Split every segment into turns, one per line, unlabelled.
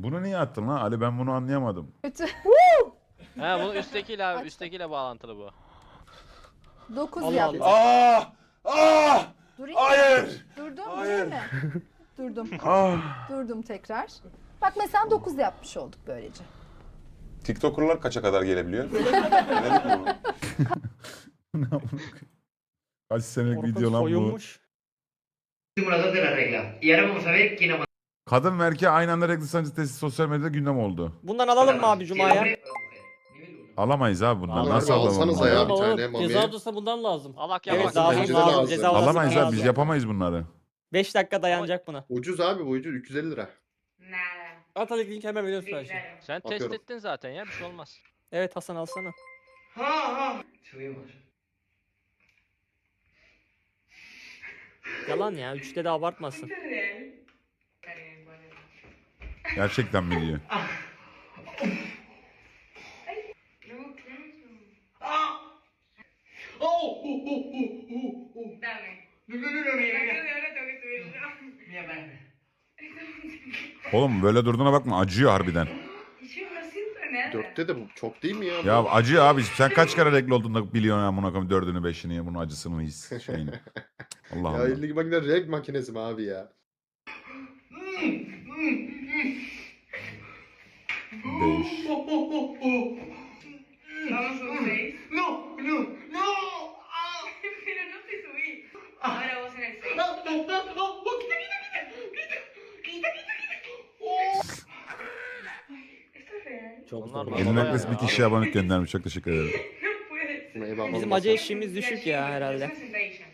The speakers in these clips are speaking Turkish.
Bunu niye attın lan Ali, ben bunu anlayamadım.
Kötü.
He bunu üsttekiyle abi, üsttekiyle bağlantılı bu.
9
Allah
yaptım.
Allah.
Durayım mı?
Hayır.
Durdum,
Hayır.
değil mi? Durdum.
Ah.
Durdum tekrar. Bak mesela 9 yapmış olduk böylece.
TikToker'lar kaça kadar gelebiliyor? Denedik mi onu?
Kaç senelik
Korkunç
video lan bu.
soyunmuş.
Simulador de la regla. Y ahora vamos a ver quién aguanta.
Kadın ve erkeğe aynı anda renkli sancı testi sosyal medyada gündem oldu.
Bundan alalım mı abi
Si
Cuma'ya?
hombre o mujer. Nivel 1.
Alamayız abi bundan.
Abi
Nasıl
alsanıza
alalım?
ya.
bunu?
bir
Alalım,
tane
alalım.
mami.
Ceza odasına bundan lazım.
Alak
Evet
yapak.
lazım
bence de
lazım.
lazım.
Ceza odasına
Alamayız abi,
lazım.
biz yapamayız bunları.
5 dakika dayanacak buna.
Ucuz abi bu ucuz 350 lira.
Nada.
Atalık link hemen veriyoruz
Sí,
her şey.
claro.
Sen test
Atıyorum.
ettin zaten ya, bir şey olmaz.
Evet Hasan alsana.
Subimos.
Yalan ya 3'te de abartmasın.
¿Es real? Está bien, bueno.
Gerçekten mi diyor?
No, claro. Dame. Ahora tengo que subir yo. Mira, para.
Oğlum böyle durduğuna bakma, acıyor harbiden.
Yo no siento nada.
4'te de bu çok değil mi ya?
Ya acıyor abi, sen kaç kere renkli olduğunda biliyorsun amına koyayım, 4'ünü 5'ini ya, bunun acısını his şeyini. Allah
Ya
Allah.
elindeki makine renk makinesi mi abi ya?
5.
Vamos a un 6. No, no, no. Pero no te subí. Ahora vos en el 6. No, no, no, no. Quita, quita, quita. Quita, quita, quita. ¿Esto es real?
Çok
Bunlar
zor.
bana
Elin
bayağı
Akles bir
ya.
kişiye abonelik göndermiş, çok teşekkür ederim.
No puede ser.
Eyvallah.
Bizim acı eşiğimiz düşük ya herhalde.
Es una sentadilla.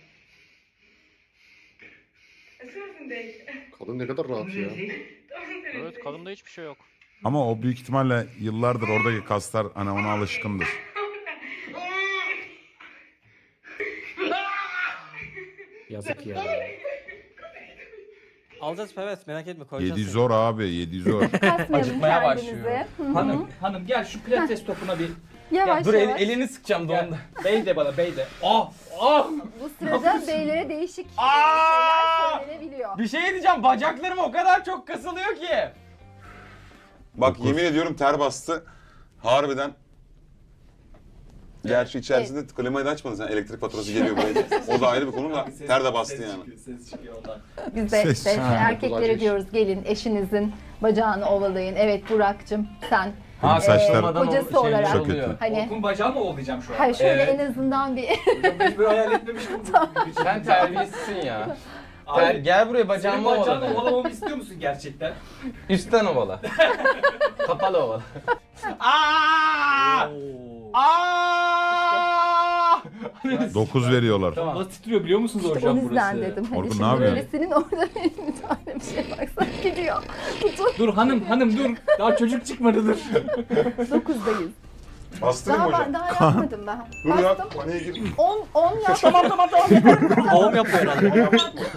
Es una sentadilla.
Kadın ne kadar rahat ya.
Todos en el
Evet,
6.
kadında hiçbir şey yok.
Ama o büyük ihtimalle yıllardır oradaki kaslar hani ona alışkındır.
Yazık ya. Alacağız evet merak etme koyacağız.
7 zor abi, 7 zor.
Kasmayalım
Acıkmaya
kendimizi.
başlıyor. Hanım gel şu pilates topuna bir.
Yavaş
Dur
yavaş.
elini sıkacağım da onda. Bey de bana bey de. Ah ah.
Bu sırada beylere değişik
Aa!
şeyler söylenebiliyor.
Bir şey diyeceğim bacaklarım o kadar çok kasılıyor ki.
Bak yemin ediyorum ter bastı. Harbiden. Gerçi içerisinde klimayı da açmadın sen, elektrik faturası geliyor böyle. O da ayrı bir konu da ter de bastı yani.
Ses çıkıyor ondan.
Biz de
Ses.
işte erkeklere
Kulak
diyoruz gelin eşinizin bacağını ovalayın. Evet Burak'cığım sen
Benim saçlar
olmadan
kocası
şey
olarak
çok
oluyor.
kötü.
Hani-
Orkun bacağı mı ovalayacağım şu an?
hayır şöyle
Evet.
en azından bir
Hiç böyle hayal etmemiştim.
Sen terbiyesizsin ya.
Abi,
Gel buraya
senin
bacağımı
bacağını
ovala.
ovalamamı istiyor musun gerçekten?
Üstten ovala. Kapalı ovala.
Aaa!
Oo.
Aaa!
9 veriyorlar.
Tamam. Nasıl titriyor biliyor musunuz
işte
hocam
o yüzden
burası?
dedim. Hani
Orkun,
şimdi
ne yapıyorsun?
öylesinin orada bir tane bir şey baksan gidiyor.
Dur hanım dur. Daha çocuk çıkmadı dur.
9'dayız.
Bastırayım
Daha
hocam.
ben daha yapmadım ben.
Dur ya,
Bastım.
paniğe gir.
10 yaptım.
tamam.
Doğum yapıyor herhalde.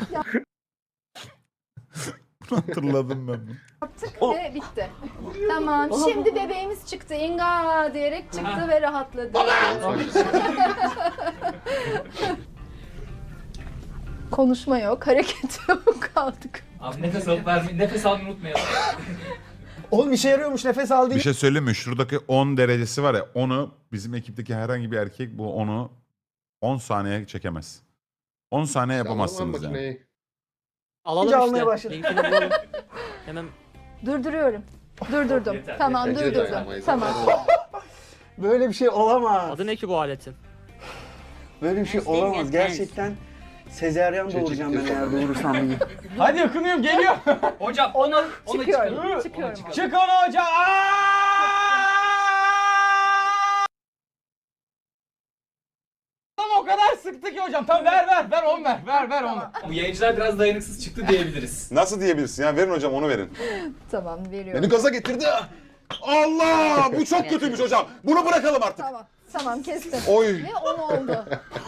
Hatırladım ben bunu.
Yaptık ve bitti. Tamam. Şimdi bebeğimiz çıktı. İnga diyerek çıktı ve rahatladı. Konuşma yok, hareket yok, kaldık.
Abi nefes alıp vermeyi, nefes almayı unutmayalım.
Oğlum işe yarıyormuş nefes al
Bir şey söyleyeyim mi? Şuradaki 10 derecesi var ya, onu bizim ekipteki herhangi bir erkek bu onu 10 saniye çekemez. 10 saniye yapamazsınız yani.
Makineyi.
Alalım işte. Linkini bulalım. Hemen
Durduruyorum. Durdurdum.
Yeter,
Tamam,
Bence de
durdurdum.
dayanamayız.
Tamam.
Böyle bir şey olamaz.
adı ne ki bu aletin?
Böyle bir şey olamaz. Gerçekten sezeryan doğuracağım ben eğer doğurursam iyi.
Hadi yakınıyorum geliyor. Hocam ona
Çıkıyorum.
çıkalım.
Çıkıyorum.
Çık onu hocam. Tamam o kadar sıktı ki hocam. Tamam ver 10 ver 10. Bu yayıncılar biraz dayanıksız çıktı diyebiliriz.
Nasıl diyebilirsin ya? Verin hocam, onu verin.
Tamam, veriyorum.
Beni gaza getirdi. Allah! Bu çok kötüymüş hocam. Bunu bırakalım artık.
Tamam. Tamam, kestim.
Oy.
Ve 10 oldu.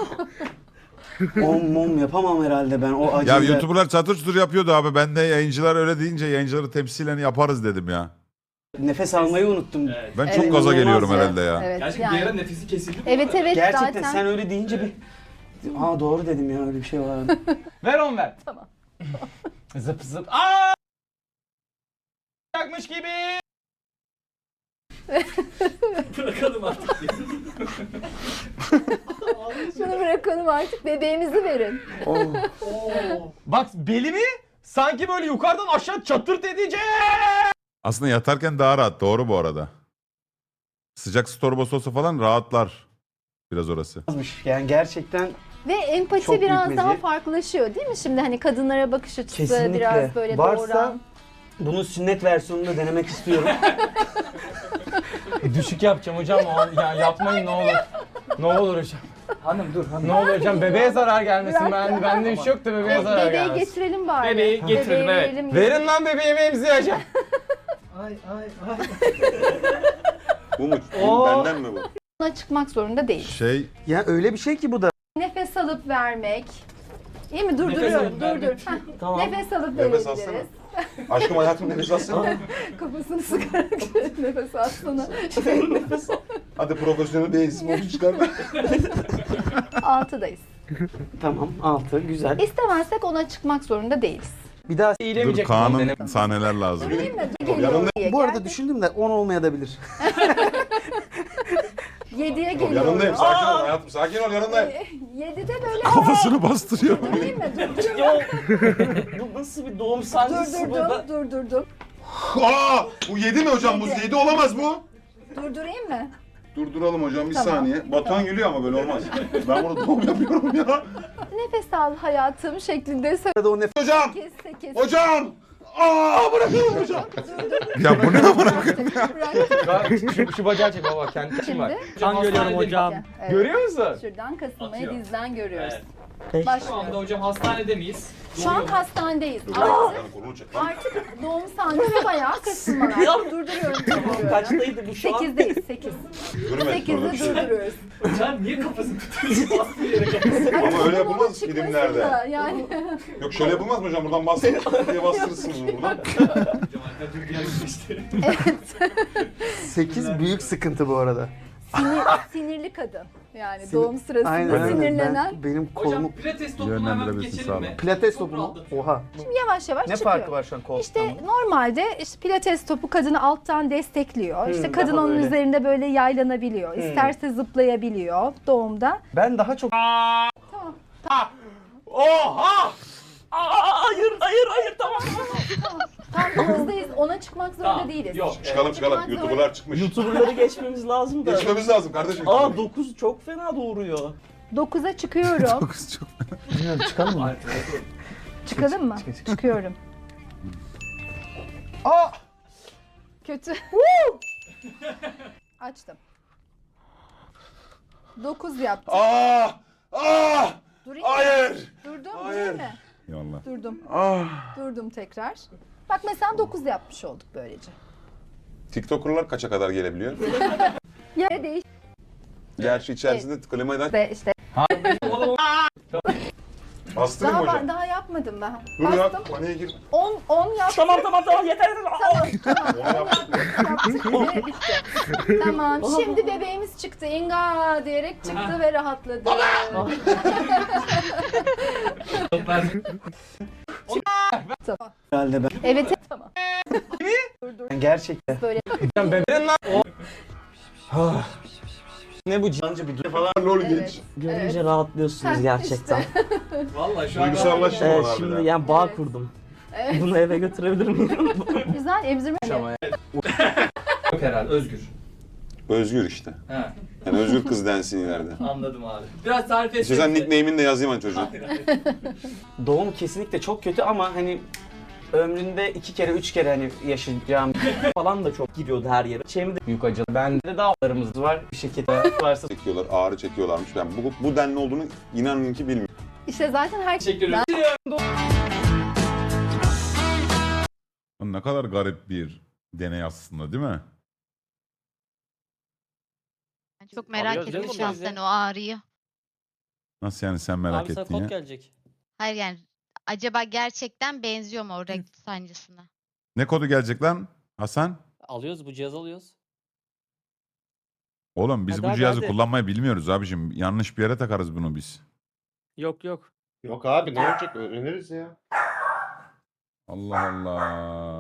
Mom yapamam herhalde ben o
Ya
acıyla.
YouTuber'lar çatır çutur yapıyordu abi. Ben de yayıncılar öyle deyince yayıncıları temsilen yaparız dedim ya.
Nefes almayı unuttum.
Ben
Evet,
çok gaza
inanılmaz
geliyorum
ya.
herhalde ya.
Evet,
Gerçekten bir ara
yani.
nefesi kesildi mi?
Evet
Gerçekten
zaten.
sen öyle deyince bir... Aa doğru dedim ya öyle bir şey vardı.
Ver 10 ver.
Tamam.
Zıp zıp. Aa!
varmış gibi.
Bırakalım artık.
Şunu bırakalım artık, bebeğimizi verin.
Bak belimi sanki böyle yukarıdan aşağı çatırt edecek.
Aslında yatarken daha rahat. Doğru bu arada. Sıcak su torbası olsa falan rahatlar. Biraz orası.
Yani gerçekten
Ve empati
Çok büyük
biraz daha
meziyet.
farklılaşıyor değil mi? Şimdi hani kadınlara bakış açısı
kesinlikle.
biraz böyle
Varsa
doğuran.
bunun sünnet versiyonunu denemek istiyorum.
Düşük yapacağım hocam. Ya yapmayın ne olur. Ne olur hocam.
Hanım dur hanım.
Ne olur hocam bebeğe zarar gelmesin.
Bırak.
Bende bir şey yok da bebeğe zarar
Bebeği
gelmesin.
getirelim bari.
Bebeği getirelim,
Bebeği
evet.
verelim.
Verin lan bebeğimi emzireceğim.
Ay ay ay.
Bu mu?
Oo.
Benden mi bu?
Buna çıkmak zorunda değil.
Şey
Ya öyle bir şey ki bu da.
Nefes alıp vermek. İyi mi?
Nefes
Durduruyorum.
alıp
Dur dur.
vermek.
Heh,
Tamam.
Nefes alıp
Nefes
verebiliriz.
Aşkım hayatım nefes alsana.
Kafasını sıkarak nefes alsana.
Hadi profesyonel bir sporcu çıkar.
6'dayız.
Tamam 6 güzel.
İstemezsek ona çıkmak zorunda değiliz.
Bir daha
dur
İyilemeyecek.
Kaan'ın sahneler lazım.
Değil mi?
yanında-
bu arada düşündüm de 10 olmayabilir.
7'ye geliyorum.
Yanındayım sakin ol hayatım sakin ol yanındayım.
7'de böyle
Kafasını bastırıyor.
değil mi? Durduruyorum.
Bu nasıl bir doğum sancısı
Durdurdum.
Aa, bu 7 mi hocam? Bu 7 olamaz bu.
Durdurayım mı?
Durduralım hocam bir
Tamam.
saniye. Batuhan gülüyor ama böyle olmaz. Ben burada doğum yapıyorum ya.
Nefes al hayatım şeklinde
Arada o nefes
Hocam!
8.
Hocam! Aa bırakalım hocam.
Ya bu ne amına?
Şu bacağı çek baba kendi işim var.
Şimdi
Kan görüyorum hocam.
evet.
Görüyor musun?
Şuradan kasılmayı
Atıyor.
dizden görüyoruz.
Evet. Şu anda
Başlıyoruz.
hocam hastanede miyiz?
Şu an hastanedeyiz.
Yani kolunu çek lan.
Artık doğum sancısı bayağı kasılmalar. Durduruyorum.
kaçtaydı bu şu an?
8'deyiz. 8.
Yürüme.
8'de durduruyoruz.
Hocam niye kafasını tutuyorsun? Bastığı yere kafasını.
Ama öyle
Bunun
yapılmaz
çıkmasın
filmlerde.
da Yani
Yok şöyle yapılmaz mı hocam? Buradan bastırırsınız diye bastırırsınız bunu buradan.
Hocam arka dur diğer işte.
8 büyük sıkıntı bu arada.
sinirli kadın. Yani doğum sırasında
Aynen.
sinirlenen.
Ben, benim
Hocam
kolumu
pilates topunu hemen
Yönlendirebilirsin,
geçelim
sağ
mi?
olun.
pilates topu mu? Oha.
Yavaş yavaş
Ne
çıkıyor.
farkı var şu an koltuktan?
İşte normalde işte pilates topu kadını alttan destekliyor. İşte kadın
daha
onun
böyle.
üzerinde böyle yaylanabiliyor. İsterse zıplayabiliyor doğumda.
Ben daha çok...
Oha!
Hayır tamam.
Tam hızdayız. Ona çıkmak zorunda değiliz.
Yok.
Çıkalım çıkalım. YouTuber'lar çıkmış.
YouTuber'ları geçmemiz lazım da.
Geçmemiz lazım kardeşim.
9 çok fena doğuruyor.
9'a çıkıyorum.
Bilmiyorum çıkalım mı?
Çıkalım mı? Çıkıyorum.
Aa!
Kötü. Açtım. 9 yaptım.
Aa! Aa!
Durayım mı?
Hayır!
Durdum
Hayır.
değil mi?
Yallah.
Durdum.
Ah!
Durdum tekrar. Bak mesela 9 yapmış olduk böylece.
TikToker'lar kaça kadar gelebiliyor?
Yer değişti
Gerçi içerisinde klimayı da
işte.
bastırayım hocam.
Daha yapmadım ben.
Dur ya
Bastım.
paniğe gir.
10 yaptım.
Tamam yeter.
Tamam.
Onu yaptım.
Yaptık ve bitti. Tamam. Şimdi bebeğimiz çıktı. İnga diyerek çıktı ve rahatladı.
Herhalde ben.
Evet. Tamam.
Gerçekten.
Böyle
Bebeğin lan.
Ne bu cancı bir falan.
Lol
evet.
geç.
Görünce rahatlıyorsunuz gerçekten.
Vallahi şu an
Duygusallaştım
Evet,
ona
şimdi
harbiden.
yani bağ
Evet.
kurdum.
Evet.
Bunu eve götürebilir miyim?
Güzel emzirme.
yok herhalde Özgür.
Özgür işte.
He,
Yani Özgür kız densin ileride.
anladım abi. Biraz tarif et.
İstiyorsan nickname'ini de yazayım hani çocuğun.
Doğum kesinlikle çok kötü ama hani ömründe 2 kere 3 kere hani yaşayacağım falan da çok gidiyordu her yere. Şeyimi de büyük acı. Bende de dağlarımız var. Bir şirkette varsa
Çekiyorlar, ağrı çekiyorlarmış. Ben bu denli olduğunu inanın ki bilmiyorum.
İşte zaten her
Teşekkür ederim.
Ne kadar garip bir deney aslında değil mi?
Çok merak
Alıyoruz
ettim
canım
şahsen
bizi.
o ağrıyı.
Nasıl yani sen merak
Abi sana
ettin
kod
ya?
gelecek.
Hayır yani acaba gerçekten benziyor mu o renk sancısına?
Ne kodu gelecek lan Hasan?
Alıyoruz bu cihazı alıyoruz.
Oğlum biz
Hadi,
bu
hadi,
cihazı
hadi.
kullanmayı bilmiyoruz abicim. Yanlış bir yere takarız bunu biz.
Yok.
Yok abi ne olacak öğreniriz ya.
Allah Allah.